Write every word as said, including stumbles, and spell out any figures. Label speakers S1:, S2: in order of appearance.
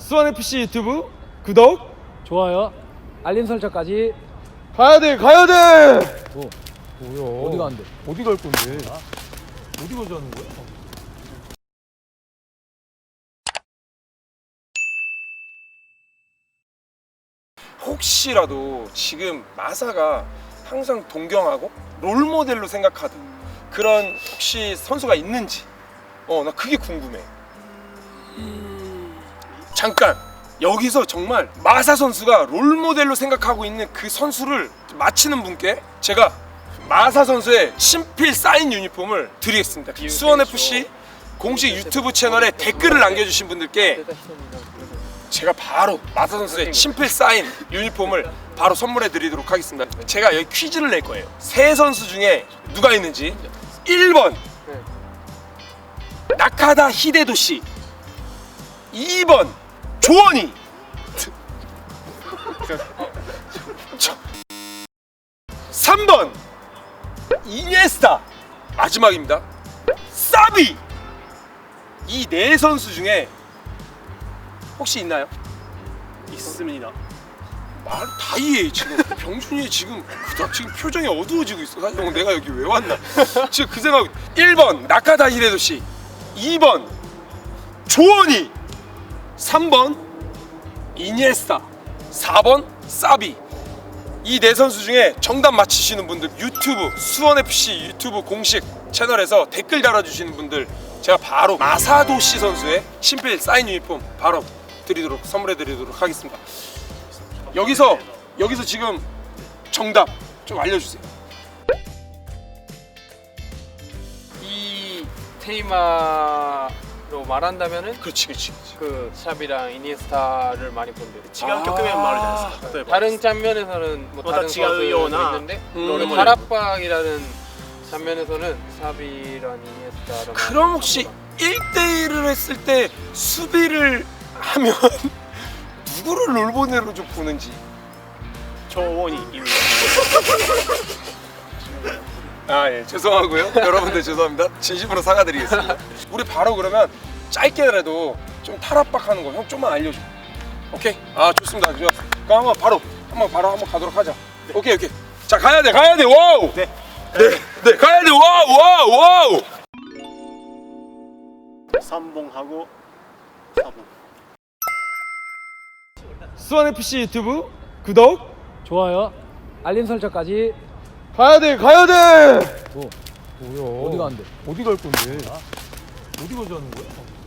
S1: 수원에프씨 유튜브 구독,
S2: 좋아요, 알림 설정까지.
S1: 가야돼 가야돼.
S2: 뭐?
S1: 뭐야,
S2: 어디 가는데?
S1: 어디 갈 건데? 어디 가자는 거야? 혹시라도 지금 마사가 항상 동경하고 롤모델로 생각하던 그런 혹시 선수가 있는지, 어 나 그게 궁금해. 잠깐 여기서 정말 마사 선수가 롤모델로 생각하고 있는 그 선수를 맞히는 분께 제가 마사 선수의 친필 사인 유니폼을 드리겠습니다. 수원에프씨 공식 유튜브 채널에 댓글을 남겨주신 분들께 제가 바로 마사 선수의 친필 사인 유니폼을 바로 선물해 드리도록 하겠습니다. 제가 여기 퀴즈를 낼 거예요. 세 선수 중에 누가 있는지. 일 번 나카다 히데도시, 이 번 조원이, 삼 번 이니에스타, 마지막입니다. 사비. 이 네 선수 중에 혹시 있나요?
S3: 있습니다.
S1: 말 다 이해해. 지금 병준이 지금 그닥 지금 표정이 어두워지고 있어. 사실 형 내가 여기 왜 왔나 지금 그 생각. 일 번 나카다 히데도시, 이 번 조원이, 삼 번 이니에스타, 사 번 사비. 이 네 선수 중에 정답 맞히시는 분들 유튜브 수원에프씨 유튜브 공식 채널에서 댓글 달아주시는 분들 제가 바로 마사도시 선수의 친필 사인 유니폼 바로 드리도록 선물해 드리도록 하겠습니다. 여기서 여기서 지금 정답 좀 알려주세요.
S4: 이 테이마로 말한다면은
S1: 그렇지 그렇지 그렇지.
S4: 그 샵이랑 이니에스타를 많이 본대요.
S3: 지가 겪으면 말하지 않습니까?例えば
S4: 다른 장면에서는 뭐 다른
S3: 또違うような
S4: 선수도 있는데
S1: 음.
S4: 우리 다락방이라는 장면에서는 샵이랑 이니에스타랑
S1: 그럼 혹시 일 대일을 했을 때 수비를 하면 누구를 롤모델로 좀 보는지.
S3: 조원이입니다.
S1: 아 예 죄송하고요. 여러분들 죄송합니다. 진심으로 사과드리겠습니다. 우리 바로 그러면 짧게라도 좀 탈압박하는 거 형 좀만 알려줘. 오케이. 아 좋습니다. 좋아. 그럼 한번 바로 한번 바로 한번 가도록 하자. 네. 오케이 오케이. 자 가야 돼 가야 돼. 와우.
S3: 네.
S1: 네, 네 가야 돼. 와우 와우 와우.
S3: 삼 봉하고 사 봉.
S1: 수원에프씨 유튜브 구독,
S2: 좋아요, 알림 설정까지.
S1: 가야 돼 가야 돼.
S2: 뭐?
S1: 뭐야?
S2: 어디 가는데?
S1: 어디 갈 건데? 어디 가자는 거야?